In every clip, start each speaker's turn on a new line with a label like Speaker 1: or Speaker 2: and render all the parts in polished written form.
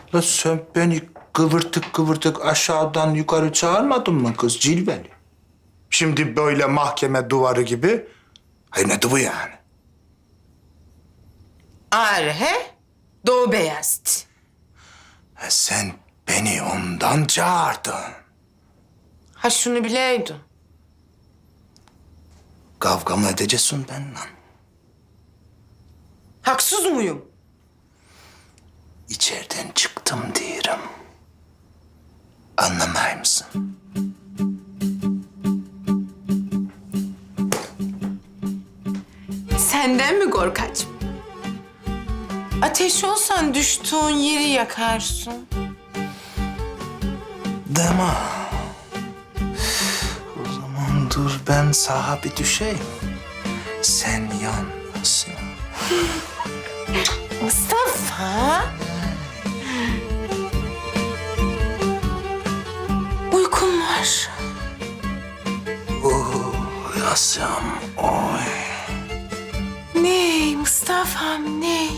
Speaker 1: La sen beni kıvırtık kıvırtık aşağıdan yukarı çağırmadın mı kız cilveli? Şimdi böyle mahkeme duvarı gibi. Hayır ne bu yani?
Speaker 2: Ağrı he? Doğu Beyazıt.
Speaker 1: Sen beni ondan çağırdın.
Speaker 2: Ha şunu bileydin.
Speaker 1: Kavga mı edeceksin benimle?
Speaker 2: Haksız mıyım?
Speaker 1: İçeriden çıktım diyorum. Anlamay mısın?
Speaker 2: Senden mi korkacım? Ateş olsan düştüğün yeri yakarsın.
Speaker 1: Deme. O zaman dur ben sağa bir düşeyim. Sen yanmasın.
Speaker 2: Mustafa. Uykum var.
Speaker 1: Uyasam oy.
Speaker 2: Ney Mustafa'm ney?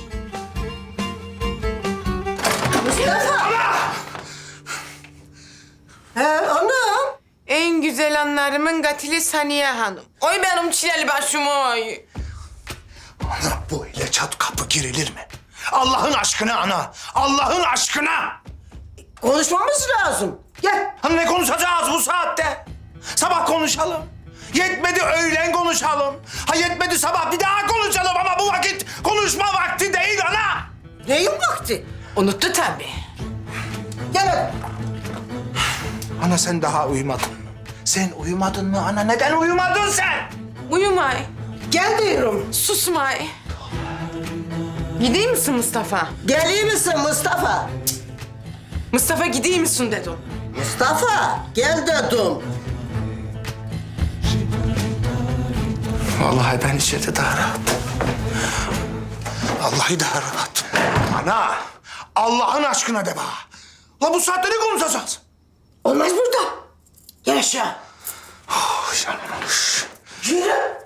Speaker 3: He anam.
Speaker 2: En güzel anlarımın katili Saniye Hanım. Oy benim çileli başım oy.
Speaker 1: Ana böyle çat kapı girilir mi? Allah'ın aşkına ana. Allah'ın aşkına.
Speaker 3: Konuşmamız lazım. Gel.
Speaker 1: Hani ne konuşacağız bu saatte? Sabah konuşalım. Yetmedi öğlen konuşalım. Ha yetmedi sabah bir daha konuşalım ama bu vakit konuşma vakti değil ana.
Speaker 3: Neyin vakti?
Speaker 2: Unuttu tabii.
Speaker 3: Gel hadi.
Speaker 1: Ana sen daha uyumadın mı? Sen uyumadın mı ana? Neden uyumadın sen?
Speaker 2: Uyumay,
Speaker 3: Gel diyorum.
Speaker 2: susmay. Gideyim misin Mustafa?
Speaker 3: Geliyor misin Mustafa?
Speaker 2: Mustafa gideyim misin dedim.
Speaker 3: Mustafa gel dedim.
Speaker 1: Vallahi ben içeride daha rahat. Vallahi daha rahat. Ana, Allah'ın aşkına de bana. La bu saatte ne konuşacağız?
Speaker 3: Olmaz burada. Gel aşağı.
Speaker 1: Oh, yanmış.
Speaker 3: Yürü.